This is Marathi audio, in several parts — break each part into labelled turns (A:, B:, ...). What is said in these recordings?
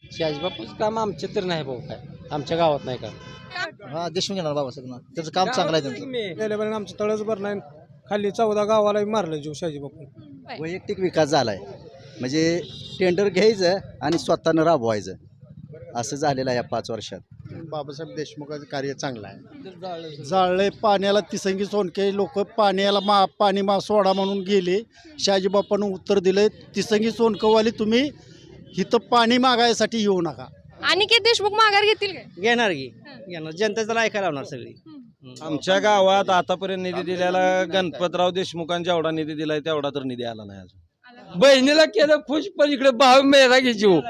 A: शहाजीबापूचं काम आमच्या तर नाही भाऊ काय आमच्या गावात नाही का.
B: हा देशमुख येणार बाबासाहेब त्याचं काम चांगलं आहे त्यांचं.
C: गेल्या वेळेला आमचं तळच भर नाही खाली 14 गावाला मारलं जीव शाजी बापू.
B: वैयक्तिक विकास झालाय म्हणजे टेंडर घ्यायचं आणि स्वतःनं राबवायचं असं झालेलं आहे या 5 वर्षात.
D: बाबासाहेब देशमुखाचं कार्य चांगलं आहे. जाळले पाण्याला तिसंगी सोनके लोक पाण्याला पाणी सोडा म्हणून गेले. शहाजीबापानं उत्तर दिलं तिसंगी सोनकवाली तुम्ही इथं पाणी मागायसाठी येऊ नका.
E: अनिकेत देशमुख माघार घेतील काय?
F: घेणार की घेणार जनता त्याला ऐकायला लावणार सगळी.
G: आमच्या गावात आतापर्यंत निधी दिलेला गणपतराव देशमुखांनी जेवढा निधी दिलाय तेवढा तर निधी आला नाही अजून.
A: बहिणीला केलं खुश पण इकडे भाव मेरा घे जीव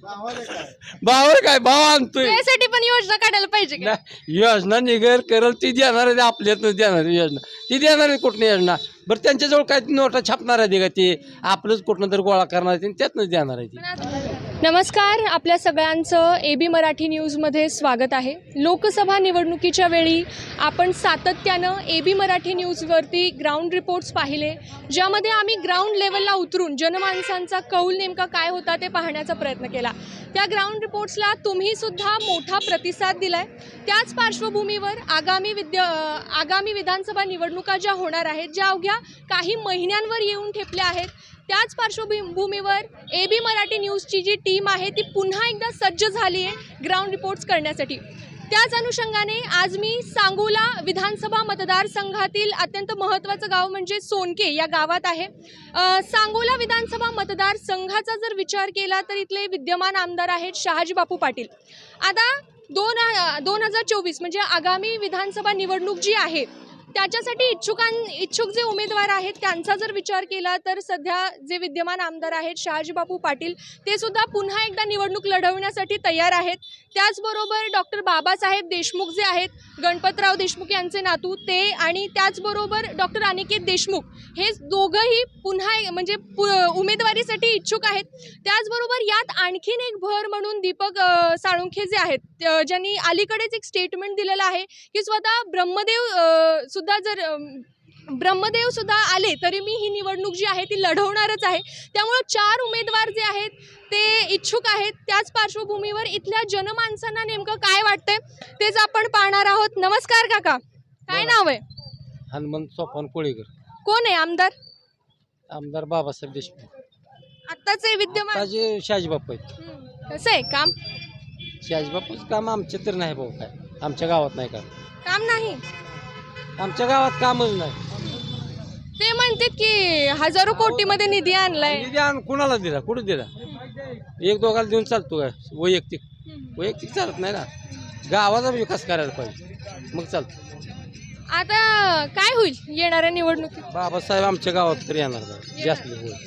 A: भावावर काय भाव आणतोय.
E: त्यासाठी पण योजना काढायला पाहिजे का?
A: योजना निघेल करल ती देणार आहे आपल्यातच देणार आहे योजना ती देणार आहे कुठली योजना. बरं त्यांच्याजवळ काय नोटा छापणार आहे का ते आपलंच कुठनं तर गोळा करणार आहे त्यातनंच देणार आहे ती.
E: नमस्कार, आपल्या सगळ्यांचं AB मराठी न्यूजमध्ये स्वागत आहे. लोकसभा निवडणुकीच्या वेळी आपण सातत्यानं AB मराठी न्यूजवरती ग्राउंड रिपोर्ट्स पाहिले, ज्यामध्ये आम्ही ग्राउंड लेवलला उतरून जनमानसांचा कौल नेमका काय होता ते पाहण्याचा प्रयत्न केला. त्या ग्राउंड रिपोर्ट्सला तुम्हीसुद्धा मोठा प्रतिसाद दिलाय. त्याच पार्श्वभूमीवर आगामी विधानसभा निवडणुका ज्या होणार आहेत, ज्या अवघ्या काही महिन्यांवर येऊन ठेपल्या आहेत, त्याच पार्श्वभूमीवर AB मराठी न्यूजची जी टीम आहे ती पुन्हा एकदा सज्ज झाली आहे ग्राउंड रिपोर्ट्स करण्यासाठी. त्याच अनुषंगाने आज मी सांगोला विधानसभा मतदारसंघातील अत्यंत महत्त्वाचं गाव म्हणजे सोनके या गावात आहे. सांगोला विधानसभा मतदारसंघाचा जर विचार केला तर इथले विद्यमान आमदार आहेत शहाजीबापू पाटील. आता 2024 म्हणजे आगामी विधानसभा निवडणूक जी आहे त्याच्यासाठी इच्छुक जे उमेदवार आहेत त्यांचा जर विचार केला तर सध्या जे विद्यमान आमदार आहेत शहाजीबापू पाटील ते सुद्धा पुन्हा एकदा निवडणूक लढवण्यासाठी तयार आहेत. त्याचबरोबर डॉक्टर बाबासाहेब देशमुख जे आहेत, गणपतराव देशमुख यांचे नातू ते, आणि त्याचबरोबर डॉक्टर अनिकेत देशमुख हे दोघंही पुन्हा म्हणजे उमेदवारीसाठी इच्छुक आहेत. त्याचबरोबर यात आणखीन एक भर म्हणून दीपक साळुंखे जे आहेत, ज्यांनी अलीकडेच एक स्टेटमेंट दिलेलं आहे की स्वतः ब्रह्मदेव सुद्धा आले तरी मी ही निवडणूक जी आहे ती लढवणारच आहे. त्यामुळे 4 उमेदवार जे आहेत ते इच्छुक आहेत. त्याच पार्श्वभूमीवर इथल्या जनमानसांना नेमकं काय वाटतंय तेच आपण पाहणार आहोत. नमस्कार काका, काय नाव आहे?
A: हनुमंत सोपान कोळीकर.
E: कोण आहे आमदार?
A: आमदार बाबासाहेब देशमुख.
E: आत्ताचे विद्यमान
A: ताजे शहाजीबापू आहेत.
E: कसं आहे काम?
A: शहाजीबापूचं काम आमच्या तर नाही भाऊ काय आमच्या गावात नाही का.
E: काम नाही?
A: आमच्या गावात कामच नाही.
E: ते म्हणतात की हजारो कोटीमध्ये निधी आणलाय.
A: निधी कुणाला दिला, कुठं दिला? एक दोघाला देऊन चालतो काय? वैयक्तिक चालत नाही ना. गावाचा विकास करायला पाहिजे मग चालतो.
E: आता काय होईल येणाऱ्या निवडणुकीत?
A: बाबासाहेब आमच्या गावात तर येणार नाही जास्त होईल.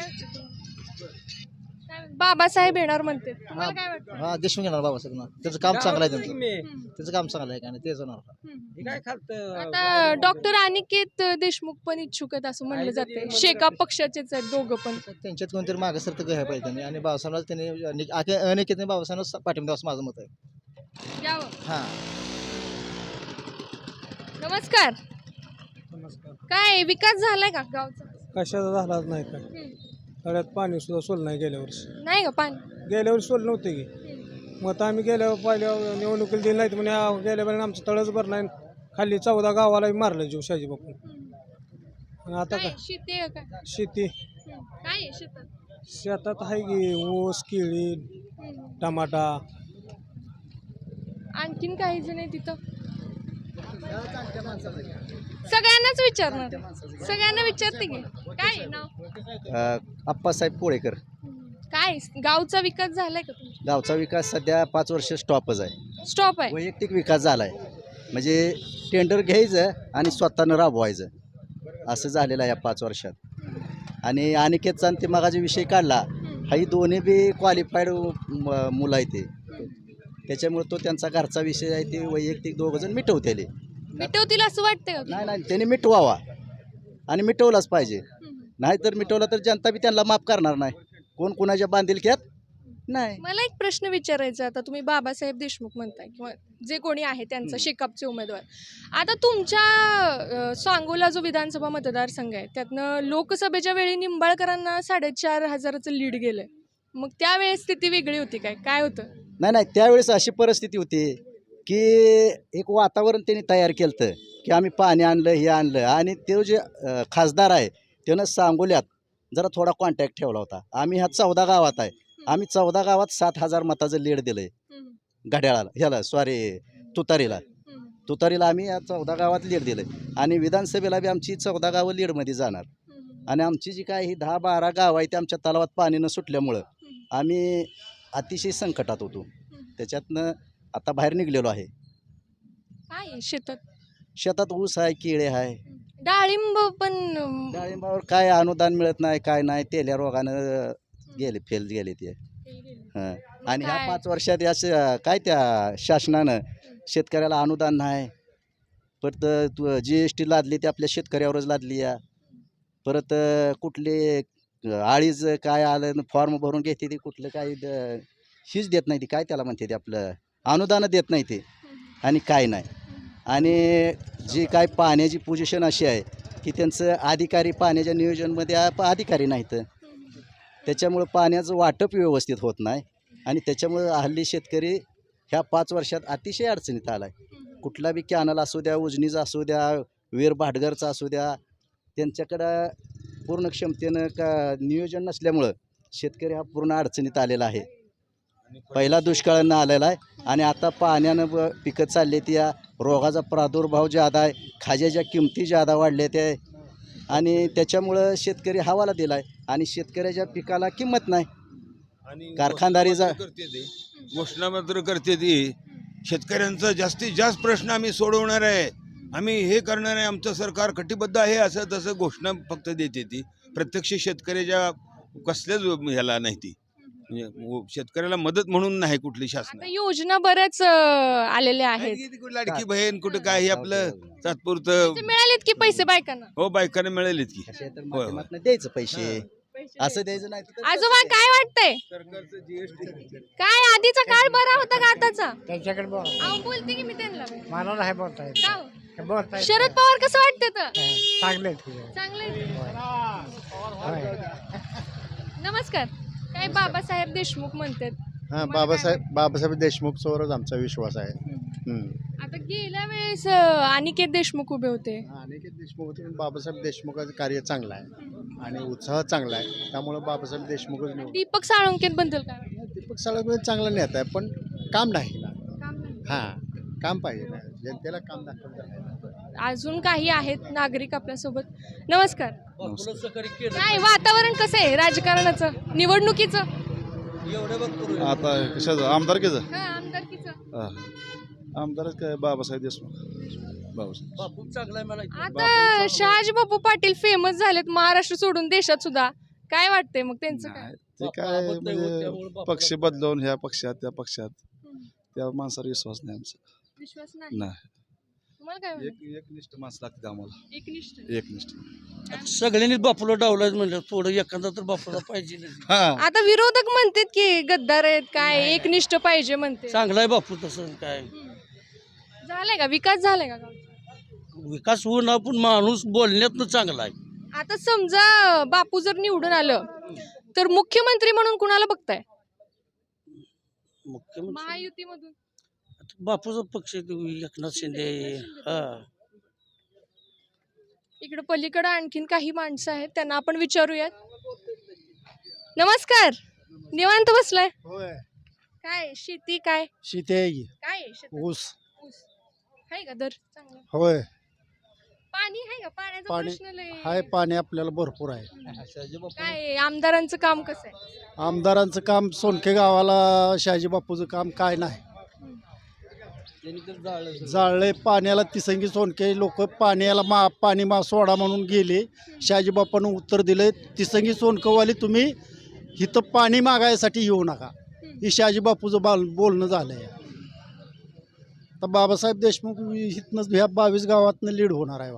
E: बाबासाहेब येणार म्हणते, तुम्हाला काय वाटतं?
B: हा देशमुख येणार बाबासाहेब त्याचं काम चांगलं आहे त्यांचं. त्याचं काम चांगलं आहे का नाही तेच होणार.
E: आता डॉक्टर अनिकेत देशमुख पण इच्छुक आहेत असं म्हणलं जाते. शेका पक्षाचेच आहेत दोघं पण.
B: त्यांच्यात कोणतरी मागे सरतं घ्यायला पाहिजे त्यांनी आणि बाबासाहेबला त्यांनी अनेक बाबासाहेब पाठिंबा असं माझं मत आहे.
E: यावं.
B: हा
E: नमस्कार. काय विकास झालाय का गावचा?
C: कशाचा झालाच नाही काय. तळ्यात पाणी सुद्धा सोडलं नाही गेल्या वर्षी.
E: नाही का पाणी?
C: गेल्या वर्षी सोडलं नव्हते की. मग आता आम्ही पहिल्या निवडणुकीला दिली नाही म्हणजे गेल्या वेळेला आमचं तळच भर नाही खाली 14 गावाला मारलं जीव शाजी बापू. आणि आता
E: काय
C: काय
E: शेती आहे काय?
C: शेती
E: काय आहे शेतात?
C: शेतात आहे की ऊस, केळी, टमाटा.
E: आणखीन काही जण आहे तिथं? सगळ्यांनाच विचारणार, सगळ्यांना विचारते की काय आहे नाव?
B: आप्पासाहेब कोळेकर.
E: काय गावचा विकास झालाय का तुमचा?
B: गावचा विकास सध्या 5 वर्ष स्टॉपच आहे.
E: स्टॉप आहे?
B: वैयक्तिक विकास झालाय म्हणजे टेंडर घ्यायचं आणि स्वतःनं राबवायचं असं झालेलं आहे या 5 वर्षात. आणि अनिकेतचा ते मागाचा विषय काढला, हाही दोन्ही बी क्वालिफाईड मुलं आहे ते. त्याच्यामुळे तो त्यांचा घरचा विषय आहे ते वैयक्तिक दोघंजण मिटवतेले.
E: मिटवतील असं वाटतंय का?
B: नाही त्यांनी मिटवावा आणि मिटवलाच पाहिजे. नाहीतर मिटवला तर जनता बी त्यांना माफ करणार नाही. कोण कुणाच्या बांधिलक्यात नाही.
E: मला एक प्रश्न विचारायचा. आता तुम्ही बाबासाहेब देशमुख म्हणताय किंवा जे कोणी आहे त्यांचा शेकापचे उमेदवार, आता तुमच्या सांगोला जो विधानसभा मतदारसंघ आहे त्यातनं लोकसभेच्या वेळी निंबाळकरांना 4,500 लीड गेलंय. मग त्यावेळेस स्थिती वेगळी होती काय होतं?
B: नाही त्यावेळेस अशी परिस्थिती होती की एक वातावरण त्यांनी तयार केलं की आम्ही पाणी आणलं हे आणलं आणि ते जे खासदार आहे त्यानं सांगोल्यात जरा थोडा कॉन्टॅक्ट ठेवला होता. आम्ही ह्या 14 गावात आहे. आम्ही 14 गावात 7,000 मताचं लीड दिलंय घड्याळाला ह्याला सॉरी तुतारीला आम्ही या 14 गावात लीड दिलंय आणि विधानसभेला बी आमची 14 गावं लीडमध्ये जाणार आणि आमची जी काय ही 10-12 गाव आहे ते आमच्या तलावात पाणी न सुटल्यामुळं आम्ही अतिशय संकटात होतो. त्याच्यातनं आता बाहेर निघलेलो आहे.
E: काय आहे शेतात?
B: शेतात ऊस आहे, केळे आहे.
E: डाळिंब पण
B: डाळिंबावर काय अनुदान मिळत नाही, काय नाही. तेल्या रोगानं फेल गेले ते. हं. आणि ह्या
E: काय?
B: 5 वर्षात काय त्या शासनानं शेतकऱ्याला अनुदान नाही. परत GST लादली ती आपल्या शेतकऱ्यावरच लादली या. परत कुठले आळीज काय आलं फॉर्म भरून घेते ती कुठलं काय हीच देत नाही ती काय त्याला म्हणते ते आपलं अनुदानं देत नाही ते आणि काय नाही. आणि जी काय पाण्याची पोझिशन अशी आहे की त्यांचं अधिकारी पाण्याच्या नियोजनमध्ये अधिकारी नाहीत. त्याच्यामुळं पाण्याचं वाटप व्यवस्थित होत नाही आणि त्याच्यामुळं हल्ली शेतकरी ह्या 5 वर्षात अतिशय अडचणीत आला आहे. कुठला बी कॅनल असू द्या, उजनीचा असू द्या, वीर भाटघरचा असू द्या, त्यांच्याकडं पूर्ण क्षमतेनं नियोजन नसल्यामुळं शेतकरी हा पूर्ण अडचणीत आलेला आहे. पहिला दुष्काळानं आलेला आहे आणि आता पाण्यानं पिकं चालली ती या रोगाचा प्रादुर्भाव ज्यादा आहे, खाज्याच्या किमती ज्यादा वाढल्या त्या आणि त्याच्यामुळं शेतकरी हवाला दिला आहे आणि शेतकऱ्याच्या पिकाला किंमत नाही. कारखानदारीचा
H: घोषणा मात्र करते ती शेतकऱ्यांचा जास्तीत जास्त प्रश्न आम्ही सोडवणार आहे, आम्ही हे करणार आहे, आमचं सरकार कटिबद्ध आहे असं तसं घोषणा फक्त देते ती. प्रत्यक्ष शेतकऱ्याच्या कसल्याच ह्याला नाही ती म्हणजे शेतकऱ्याला मदत म्हणून नाही कुठली शासन.
E: आता योजना बऱ्याच आलेल्या आहेत.
H: लाडकी बहीण कुठं काय हे आपलं तात्पुरतं
E: ते मिळालेत की पैसे बायकांना?
H: हो बायकांना मिळालेत की.
B: माध्यमातून द्यायचं पैसे असं द्यायचं नाही तर
E: आजोबा काय वाटतंय? काय आधीचा काळ बरा होता का आताचा?
C: त्यांच्याकडे
E: अहो बोलते की मी त्यांना.
C: मला नाही बोलता येत.
E: का हो? शरद पवार कसं वाटतं तर?
C: चांगले
E: चांगले. नमस्कार. काय बाबासाहेब देशमुख म्हणतात?
D: हां,
E: तुम्हाला
D: बाबासाहेब देशमुखवर आमचा विश्वास आहे.
E: आता गेल्या वेळेस अनिकेत देशमुख उभे होते.
D: अनेक देशमुख होते पण बाबासाहेब देशमुखाचं कार्य चांगलं आहे आणि उत्साह चांगला आहे, त्यामुळे बाबासाहेब देशमुखच निवडून.
E: दीपक साळुंकेत बद्दल काय वाटतं?
D: दीपक साळुंके चांगला नेता आहे पण काम नाही ना.
E: काम नाही.
D: हां, काम पाहिजे ना, जनतेला काम दाखवलं.
E: अजून काही आहेत नागरिक आपल्यासोबत. नमस्कार. काय वातावरण कसं आहे राजकारणाचं निवडणुकीचं?
I: आता कशाचं आमदारकीचं
E: आमदारकीचं
I: आमदारच काय बाबासाहेब देशमुख बाबासाहेब
E: आता शहाजी बापू पाटील फेमस झालेत महाराष्ट्र सोडून देशात सुद्धा. काय वाटतंय मग त्यांचं काय?
I: ते काय म्हणजे पक्ष बदलवून ह्या पक्षात त्या पक्षात त्या माणसावर विश्वास नाही आमचा.
E: विश्वास नाही.
I: नाही
E: तुम्हाला काय वाटतं?
I: एकनिष्ठ माणसं लागते आम्हाला.
E: एकनिष्ठ.
I: एकनिष्ठ
A: सगळ्यांनीच बापूला डावलाच म्हणलं थोडं एखादा तर बापूला पाहिजे.
I: हा
E: आता विरोधक म्हणतात की गद्दार आहेत काय एकनिष्ठ पाहिजे म्हणते.
A: चांगला आहे बापू तसं काय
E: झालाय का विकास झालाय का गावचा?
A: विकास होऊन आपण माणूस बोलण्यातनं चांगला आहे.
E: आता समजा बापू जर निवडून आलं तर मुख्यमंत्री म्हणून कुणाला बघताय?
A: मुख्यमंत्री
E: महायुतीमधून
A: बापूचा पक्ष एकनाथ शिंदे. हा
E: इकडे पलीकडे आणखीन काही माणसं आहेत त्यांना आपण विचारूयात. नमस्कार. निवांत बसलाय? काय शेती काय
D: शेती आहे की
E: काय आहे शेतात?
D: ऊस
E: ऊस आहे का दर चांगला?
D: होय
E: पाणी आहे का? पाण्याचा
D: पाणी
E: प्रश्न लय
D: हाय, पाणी आपल्याला भरपूर आहे.
E: काय आहे? आमदारांचं काम कसं आहे?
D: आमदारांचं काम सोनके गावाला शहाजी बापूचं काम काय नाही. जाळले पाण्याला तिसंगी सोनके लोक पाण्याला पाणी सोडा म्हणून गेले. शहाजी बापानं उत्तर दिले तिसंगी सोनकवाली तुम्ही इथं पाणी मागायसाठी येऊ नका. हे शहाजी बापूचं बोलणं झालंय. तर बाबासाहेब देशमुख इथनं ह्या 22 गावातनं लीड होणार आहे.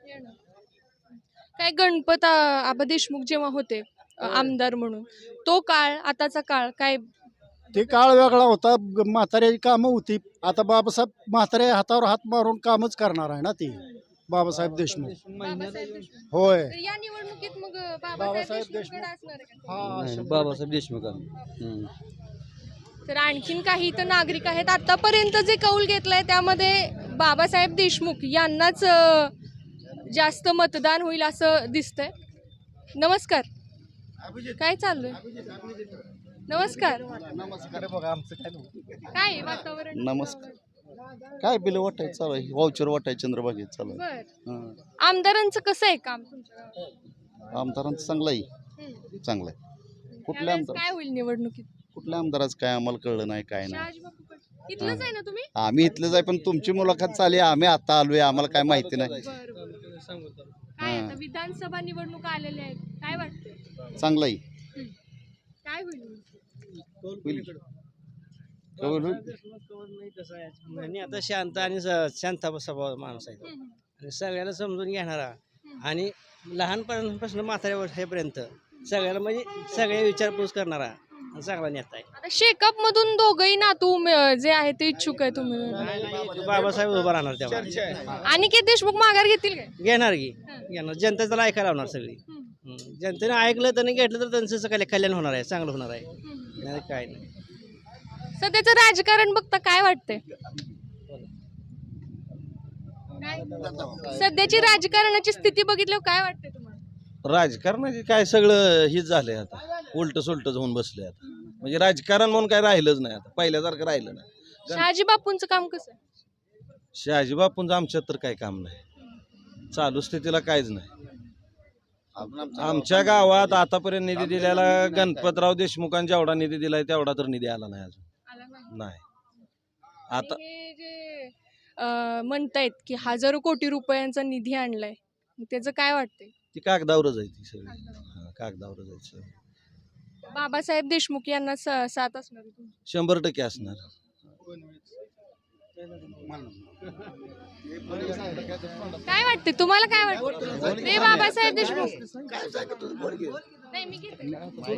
E: काय गणपत आबा देशमुख जेव्हा होते आमदार म्हणून तो काळ आताचा काळ काय?
D: ते काळ वेगळा होता. म्हाताऱ्याची कामं होती. आता बाबासाहेब म्हाताऱ्या हातावर हात मारून कामच करणार आहे ना ती. बाबासाहेब देशमुख
E: बाबासाहेब देशमुख.
D: होय
E: तर या निवडणुकीत मग बाबासाहेब
D: बाबासाहेब
E: देशमुखकडे असणार आहे का?
D: हा
A: बाबासाहेब देशमुख
E: तर आणखीन काही इथं नागरिक आहेत. आतापर्यंत जे कौल घेतलंय त्यामध्ये बाबासाहेब देशमुख यांनाच जास्त मतदान होईल असं दिसतंय. नमस्कार, काय चाललंय? नमस्कार, काय आहे वातावरण?
B: नमस्कार. काय बिल वाटायचं चालू आहे, वाउचर वाटायचं चंद्रभागेत चालू आहे.
E: बर, आमदारांचं कसं आहे काम तुमच्या गावात?
B: आमदारांचं चांगलं आहे,
E: हम्म.
B: चांगलं आहे. कुठल्या
E: यावेळेस
B: आमदार
E: काय होईल निवडणुकीत?
B: कुठल्या आमदाराचं काय आम्हाला कळलं नाही, काय नाही.
E: शहाजीबापू पाटील. इथलंच आहे ना तुम्ही?
B: आम्ही इथलंच आहे, पण तुमची मुलाखत चालली, आम्ही आता आलोय, आम्हाला काय माहिती नाही.
E: बरं बरं. काय आता विधानसभा निवडणुका आलेल्या आहेत, काय वाटतंय?
B: चांगलं आहे.
E: काय होईल?
B: होईल. कौल होईल.
F: कसं आहे आणि आता शांत आणि शांत स्वभाव माणूस आहे आणि सगळ्याला समजून घेणारा आणि लहानपणापासून म्हाताऱ्यापर्यंत सगळ्याला म्हणजे सगळे विचारपूस करणारा आणि चांगला नेता आहे.
E: आता शेकअप मधून दोघही नातू जे आहे ते इच्छुक आहे तुम्ही?
F: बाबासाहेब उभा राहणार तेव्हा
E: अनिकेत देशमुख माघार घेतील काय?
F: घेणार की घेणार, जनता त्याला ऐकायला लावणार सगळी. जनतेने ऐकलं त्यांनी घेतलं तर त्यांचं सगळं कल्याण होणार आहे, चांगलं होणार आहे. नाही काय नाही.
E: सध्याचं राजकारण बघता काय वाटतंय? सध्याची राजकारणाची स्थिती बघितल्यावर काय वाटतंय तुम्हाला?
G: राजकारणाचे काय सगळं हेच झालंय आता, उलट सुलट होऊन बसले आता. म्हणजे राजकारण म्हणून काय राहिलंच नाही आता, पहिल्यासारखं राहिलं नाही.
E: शहाजी बापूंचं काम कसं आहे?
G: शहाजी बापूंचं आमच्यात तर काही काम नाही, चालू स्थितीला काहीच नाही. आमच्या गावात आतापर्यंत निधी दिलेला गणपतराव देशमुखांनी जेवढा निधी दिलाय तेवढा तर निधी आला नाही अजून. नाही आता
E: हे जे म्हणतायत की हजारो कोटी रुपयांचा निधी आणलाय, त्याचं काय वाटतंय?
G: ती कागदावरच आहे, ती सगळी कागदावरच आहे सगळी.
E: बाबासाहेब देशमुख यांना साथ असणार आहे तुमची?
G: 100% असणार.
E: काय वाटते तुम्हाला? काय वाटतं ते बाबासाहेब देशमुख? नाही, मी घेते.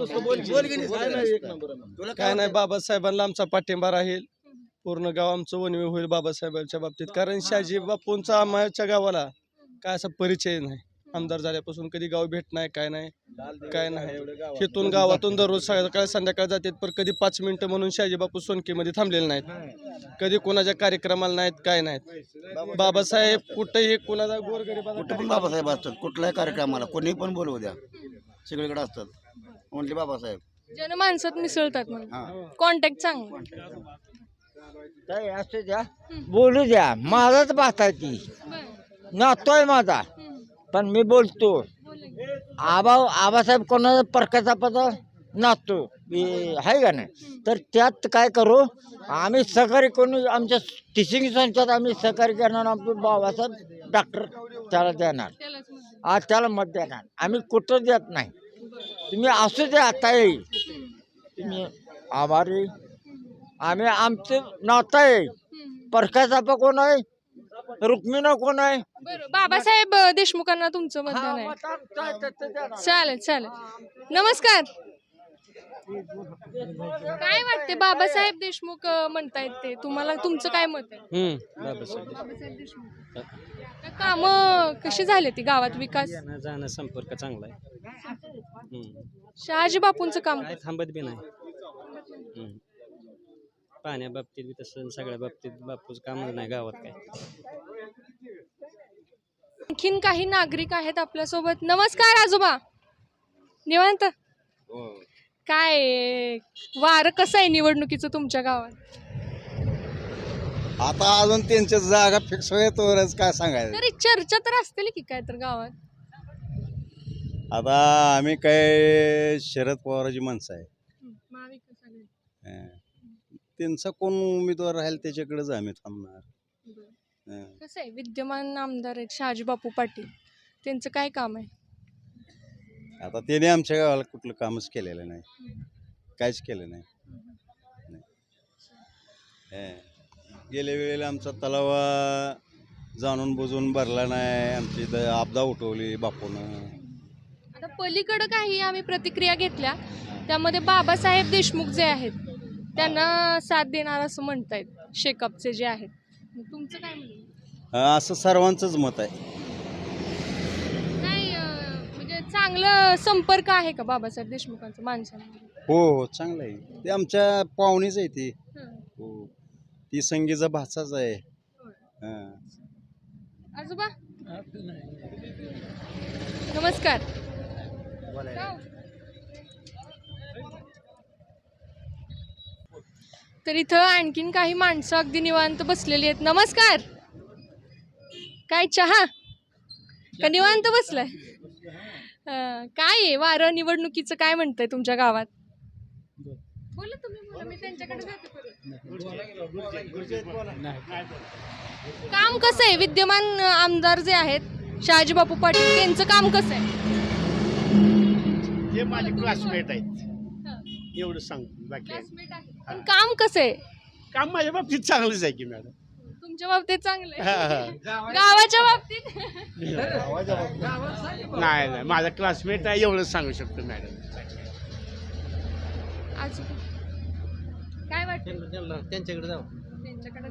C: काय नाही, बाबासाहेबांना आमचा पाठिंबा राहील. पूर्ण गाव आमचं वनवे होईल बाबासाहेबांच्या बाबतीत, कारण शहाजी बापूंचा आमच्या गावाला काय असा परिचय नाही. आमदार झाल्यापासून कधी गाव भेट नाही, काय नाही काय नाही. इथून गावातून दररोज सकाळ संध्याकाळ जातात, पण कधी 5 मिनिटं म्हणून शहाजी बापू सोनकीमध्ये थांबलेले नाहीत, कधी कोणाच्या कार्यक्रमाला नाहीत, काय नाहीत. बाबासाहेब कुठेही कोणाचा गोरगरीबाला
B: कुठे पण बाबासाहेब असतात, कुठल्याही कार्यक्रमाला कोणी पण बोलवू द्या, सगळीकडे असतात. ओनली बाबासाहेब.
E: जनमानसात मिसळतात म्हणून कॉन्टॅक्ट चांगला.
J: काय असू द्या, बोलू द्या, माझाच बात आहे ती, नातोय माझा, पण मी बोलतो. आबासाहेब कोणाचा परकाचा पदा नातो आहे का नाही, तर त्यात काय करू आम्ही सहकारी कोणी आमच्या टिचिंग संस्थेत आम्ही सहकारी करणार. आमचे बाबासाहेब डॉक्टर त्याला देणार, आज त्याला मत देणार. आम्ही कुठं देत नाही. तुम्ही असू द्या, आता येईल तुम्ही आभारी. आम्ही आमचं नातं आहे. परकाचा कोण आहे, रुक्मिणी कोण आहे?
E: बाबासाहेब देशमुखांना तुमचं मतदान आहे? चालेल चालेल. नमस्कार, काय वाटते? बाबासाहेब देशमुख म्हणतायत ते, तुम्हाला तुमचं काय मत आहे? बाबासाहेब देशमुख काम कशी झाली ती गावात, विकास
F: जाणं संपर्क चांगला आहे,
E: शहाजी बापूंचं काम
F: काय थांबत बी नाही. पाण्या बाबतीत बी तसं सगळ्या बाबतीत बापूच कामच नाही गावात काय.
E: आणखीन काही नागरिक आहेत आपल्यासोबत. नमस्कार आजोबा, निवांत? काय वारं कसं आहे निवडणुकीचं तुमच्या गावात?
B: आता अजून त्यांच्या जागा फिक्स होतोवरच काय सांगायचं.
E: तरी चर्चा तर असतील की काय तर गावात?
B: आता आम्ही काय शरद पवाराची माणसं आहे,
E: महाविकास आघाडी.
B: त्यांचा कोण उमेदवार राहील त्याच्याकडेच आम्ही थांबणार.
E: कसं आहे, विद्यमान आमदार आहेत शहाजी बापू पाटील, त्यांचं काय काम आहे?
B: आता त्याने आमच्या गावाला कुठलं कामच केलेलं नाही, काहीच केलं नाही. गेल्या वेळेला आमचा तलाव जाणून बुजून भरला नाही, आमची इथं आपदा उठवली बापूनं.
E: आता पलीकडं काही आम्ही प्रतिक्रिया घेतल्या, त्यामध्ये बाबासाहेब देशमुख जे आहेत त्यांना साथ देणार असं म्हणतायत शेकअपचे जे आहेत. तुमचं काय म्हणणं?
B: असं सर्वांचंच मत आहे.
E: काय म्हणजे चांगलं संपर्क आहे का बाबासाहेब देशमुखांचं माणसांमध्ये?
B: हो चांगलं आहे. ते आमच्या पाहुणीच आहे ती.
E: हं.
B: हो ती संगीचा भाचाच आहे. हां.
E: आजोबा नमस्कार. तर इथं आणखीन काही माणसं अगदी निवांत बसलेली आहेत. नमस्कार. काय चहा का निवांत बसलाय? काय आहे वारं निवडणुकीचं काय म्हणतंय तुमच्या गावात? बोला तुम्ही, बोला, मी त्यांच्याकडे जाते परत. काम कसं आहे विद्यमान आमदार जे आहेत शहाजी बापू पाटील त्यांचं काम कसं आहे?
K: ते माझे क्लासमेट आहेत एवढं सांगतो बाकी आहे.
E: Classmate आहे. पण काम कसं आहे?
K: काम माझ्या बाबतीत चांगलंच आहे की मॅडम.
E: तुमच्या बाबतीत चांगलं
K: हा,
E: आहे?
K: हा.
E: गावाच्या बाबतीत
K: नाही नाही माझा क्लासमेट आहे एवढंच सांगू शकतो मॅडम.
E: आज काय वाटतं?
F: त्यांच्याकडे जाऊ.
E: त्यांच्याकडे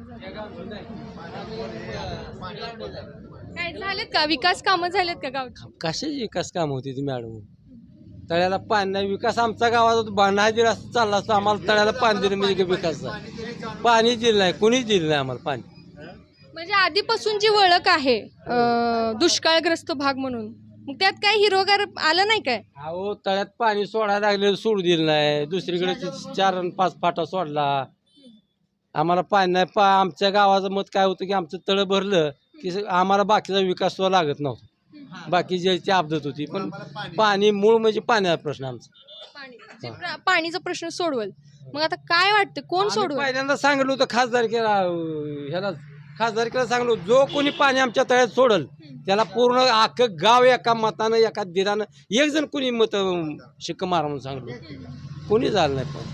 E: काय झालेत का विकास कामं झालेत का गावची?
A: कशाची विकास काम होती ती मॅडम? तळ्याला पाणी नाही. विकास आमच्या गावात नाही दिला चालला असता. आम्हाला तळ्याला पाणी दिलं म्हणजे विकास पाणी दिलं नाही, कुणीच दिलं नाही आम्हाला पाणी.
E: म्हणजे आधीपासून जी ओळख आहे दुष्काळग्रस्त भाग म्हणून, मग त्यात काय हिरोगार आलं नाही काय?
A: अहो तळ्यात पाणी सोडायला लागले सोडू दिलं नाही. दुसरीकडे 4 आणि 5 फाटा सोडला. आम्हाला पाणी नाही. आमच्या गावाचं मत काय होतं की आमचं तळं भरलं की आम्हाला बाकीचा विकास सुद्धा लागत नव्हता. बाकी ज्याची आपदत होती पण पाणी मूळ म्हणजे पाण्याचा प्रश्न आमचा.
E: पाणीचा प्रश्न सोडवल. मग आता काय वाटतं कोण सोडवल?
A: पहिल्यांदा सांगितलं होतं खासदारकीला सांगलो जो कोणी पाणी आमच्या तळ्यात सोडल त्याला पूर्ण अख्खं गाव एका मतानं एका दिरानं एक जण कोणी मत शिक्क मारा म्हणून सांगलो. कोणी झालं नाही. पण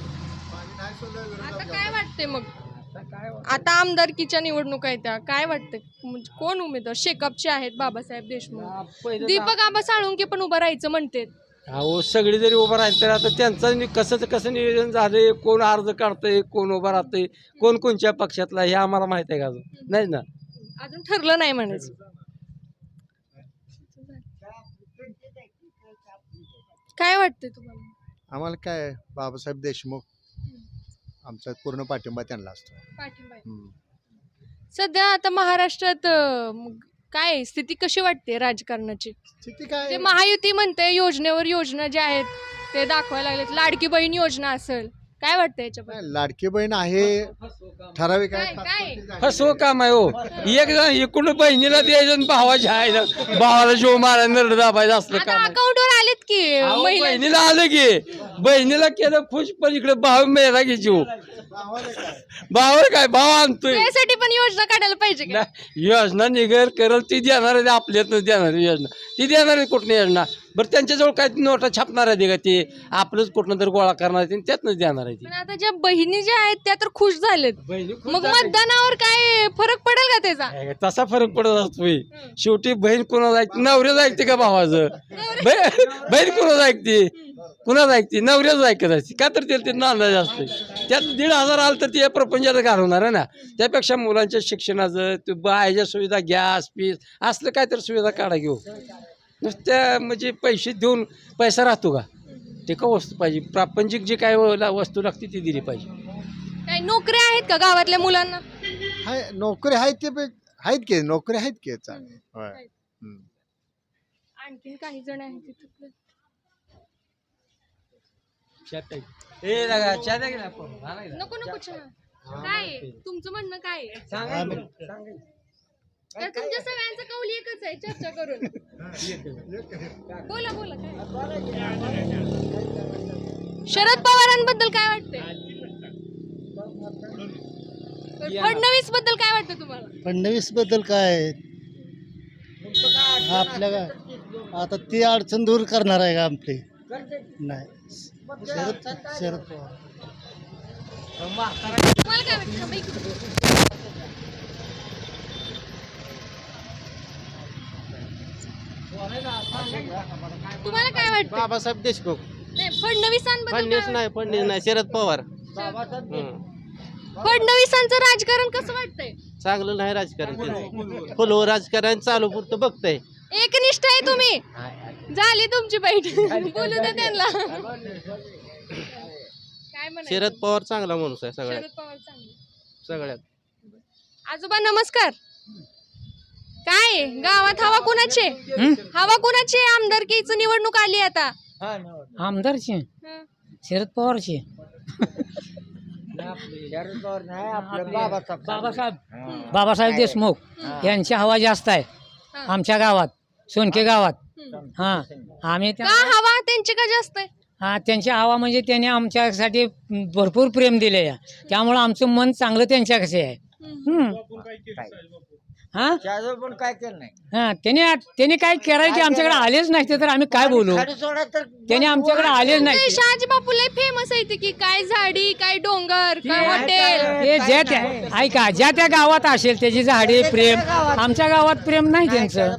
E: आता काय वाटतंय मग? आता आमदारकीच्या निवडणुका आहेत त्या, काय वाटतं म्हणजे कोण उमेदवार? शेकापचे आहेत बाबासाहेब देशमुख, दीपक आबा साळुंके पण उभं राहायचं म्हणते.
A: अहो सगळी जरी उभं राहील तर आता त्यांचं कसं नियोजन झालंय, कोण अर्ज काढतंय, कोण उभं राहतंय, कोण कोणत्या पक्षातला हे आम्हाला माहित आहे का अजून? नाही ना,
E: अजून ठरलं नाही म्हणायचं. काय वाटतंय तुम्हाला?
L: आम्हाला काय बाबासाहेब देशमुख आमचा पूर्ण पाठिंबा त्यांना असतो.
E: पाठिंबा आहे. सध्या आता महाराष्ट्रात काय स्थिती कशी वाटते राजकारणाची?
L: स्थिती काय
E: ते महायुती म्हणते योजनेवर योजना ज्या आहेत ते दाखवायला लागलेत. लाडकी बहीण योजना असेल, काय वाटतं याच्याबद्दल?
L: लाडकी बहीण आहे ठराविक
E: काय
L: आहे.
E: काय
A: फसवं काम आहे हो. एक जण इकडून बहिणीला द्यायचं आणि भावाच्या आहे भावाला शिव मारा नरड दाबायचं असलं
E: आता
A: काम आहे.
E: अकाउंटवर आलेत की
A: अहो,
E: महिला.
A: बहिणीला आलं की बहिणीला केलं खुश पण इकडे भाव मेला की जीव. भावावर काय भाव आणतोय.
E: त्यासाठी पण योजना काढायला पाहिजे का?
A: नाही, योजना निघेल करल ती देणार आहे. आपल्यातच देणार योजना ती देणार आहे. कुठली योजना? बरं त्यांच्याजवळ काय नोटा छापणार आहे का? ते आपलंच कुठनं तर गोळा करणार आहे त्यातनंच देणार आहे ती.
E: पण आता ज्या बहिणी ज्या आहेत त्या तर खुश झालेत.
A: बहिणी खुश
E: मग
A: झाली.
E: मतदानावर काय फरक पडेल का त्याचा?
A: तसा फरक पडत असतोय. शेवटी बहीण कुणाला ऐकते? नवऱ्याच ऐकते का भावाचं? बहीण कुणाला ऐकते? कुणाला ऐकते? नवऱ्याच ऐकत असते का? तर ते नांदाज असते. त्यात 1,500 आलं तर ते प्रपंचाला घालवणार आहे ना. त्यापेक्षा मुलांच्या शिक्षणाचं ते बाहेरच्या सुविधा, गॅस पीस असलं काय तर सुविधा काढा घेऊ. नुसत्या म्हणजे पैसे देऊन पैसा राहतो का? ते का वस्तू पाहिजे, प्रापंचिक जे काय वस्तू लागते ती दिली पाहिजे.
E: काय नोकऱ्या आहेत का गावातल्या मुलांना?
L: हाय नोकरी आहेत ते आहेत की नोकरी आहेत की चांगली. होय.
E: आणखीन काही जण आहेत तिथं. नको नको चहा. काय आहे? तुमचं म्हणणं काय आहे? तर तुमच्या सगळ्यांचा कौल एकच आहे चर्चा करून. बोला बोला काय? शरद पवारांबद्दल काय वाटतंय? फडणवीस बद्दल काय वाटतं तुम्हाला?
D: फडणवीस बद्दल काय आपल्या आता ती अडचण दूर करणार आहे का आपली? नाही. शरद पवार.
E: तुम्हाला काय वाटतं? तुम्हाला काय वाटतं?
F: बाबासाहेब देशमुख.
E: नाही फडणवीसांबद्दल काय वाटतं?
F: फडणवीस नाही, शरद पवार.
E: फडणवीसांचं राजकारण कसं वाटतंय?
F: चांगलं नाही राजकारण त्यांचं. फुलवर राजकारण चालू पुरतं बघतंय.
E: एकनिष्ठ आहे तुम्ही. झाली तुमची बैठ. बोलू दे त्यांना. काय म्हणायचं?
F: शरद पवार चांगला माणूस आहे सगळ्यात
E: शरद पवार चांगले.
F: सगळ्यात.
E: आजोबा नमस्कार. काय आहे? गावात हवा कुणाची? हवा कुणाची? आमदारकीची निवडणूक आली आता.
J: आमदारची
E: हं.
J: शरद पवारची. शरद पवार नाही आपलं बाबासाहेब देशमुख यांची हवा जास्त आहे आमच्या गावात, सोनके गावात. हा आम्ही
E: का हवा त्यांची का जास्त आहे?
J: हा त्यांची हवा म्हणजे त्यांनी आमच्यासाठी भरपूर प्रेम दिले, त्यामुळं आमचं मन चांगलं त्यांच्याकडे आहे. हा पण काय केलं नाही. हा त्यांनी काय करायचे आमच्याकडे आलेच नाही, ते तर आम्ही काय बोलू. त्यांनी आमच्याकडे आलेच नाही.
E: शहाजी बापू लय फेमस आहे की काय झाडी, काय डोंगर, काय हॉटेल.
J: हे ज्या त्या ऐका ज्या त्या गावात असेल त्याची झाडे प्रेम, आमच्या गावात प्रेम नाही त्यांचं.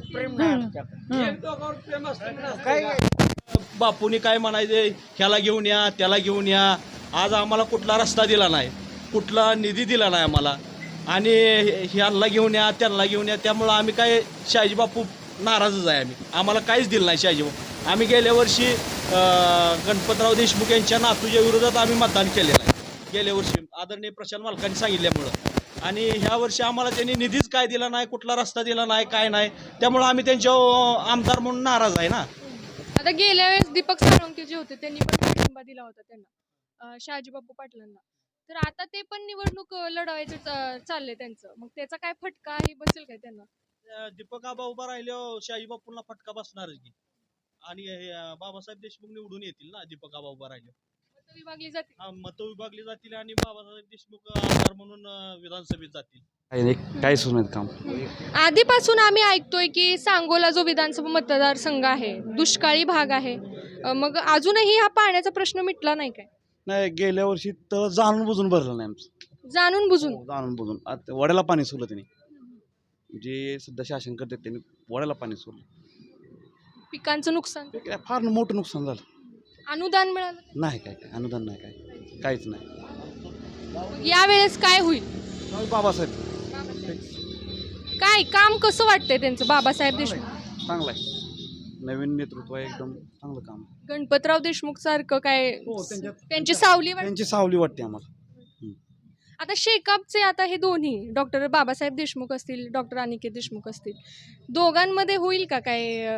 C: बापूनी काय म्हणायचे, ह्याला घेऊन या त्याला घेऊन या. आज आम्हाला कुठला रस्ता दिला नाही, कुठला निधी दिला नाही आम्हाला, आणि ह्यांना घेऊन या त्यांना घेऊन या. त्यामुळं आम्ही काय शहाजी बापू नाराजच आहे. आम्हाला काहीच दिलं नाही शहाजी बापू. आम्ही गेल्या वर्षी गणपतराव देशमुख यांच्या नातूच्या विरोधात आम्ही मतदान केलेलं आहे गेल्या वर्षी, आदरणीय प्रशांत मालकांनी सांगितल्यामुळं. आणि ह्या वर्षी आम्हाला त्यांनी निधीच काय दिला नाही, कुठला रस्ता दिला नाही, काय नाही. त्यामुळं आम्ही त्यांच्या आमदार म्हणून नाराज आहे ना.
E: आता गेल्या वेळेस दीपक साळुंके जे होते त्यांनी पण पाठिंबा दिला होता त्यांना, शहाजी बापू पाटलांना. तर आता ते पण निवडणूक लढवायचं चाललंय त्यांचं. मग त्याचा काय फटकाही बसेल काय त्यांना?
C: दीपक आबा उभा राहिल्यावर शहाजी बापूंना फटका बसणारच की. आणि बाबासाहेब देशमुख निवडून येतील ना दीपक आबा उभा राहिल्यावर.
E: मतं विभागली जातील.
C: मतं विभागली जातील आणि बाबासाहेब देशमुख आमदार म्हणून विधानसभेत जातील.
G: काय सुनात काम.
E: आधीपासून आम्ही ऐकतोय की सांगोला जो विधानसभा मतदारसंघ आहे दुष्काळी भाग आहे. मग अजूनही हा पाण्याचा प्रश्न मिटला नाही काय?
I: नाही, गेल्या वर्षी तर जाणून बुजून भरलं नाही आमचं.
E: जाणून बुजून
I: जाणून बुजून आता वड्याला पाणी सोडलं त्यांनी, जे सध्या शासन करतात त्यांनी वड्याला पाणी सोडलं.
E: पिकांचं नुकसान,
I: ते काय फार मोठं नुकसान झालं.
E: अनुदान मिळालं
I: नाही, काय अनुदान नाही, काय काहीच नाही.
E: मग यावेळेस काय होईल?
I: बाबासाहेब
E: काय काम कसं वाटतंय त्यांचं बाबासाहेब देशमुख?
I: चांगलं आहे, नवीन नेतृत्व आहे, एकदम चांगलं काम.
E: गणपतराव देशमुख सारखं काय त्यांची सावली
I: त्यांची सावली वाटते आम्हाला.
E: आता शेकापचे आता हे दोन्ही डॉक्टर बाबासाहेब देशमुख असतील, डॉक्टर अनिकेत देशमुख असतील, दोघांमध्ये होईल का काय?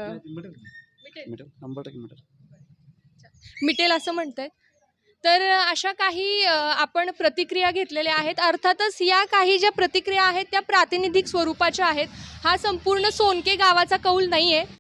E: मिटेल असं म्हणतायत. तर अशा काही आपण प्रतिक्रिया घेतलेल्या आहेत. अर्थातच या काही ज्या प्रतिक्रिया आहेत त्या प्रातिनिधिक स्वरूपाच्या आहेत. हा संपूर्ण सोनके गावाचा कौल नाही आहे.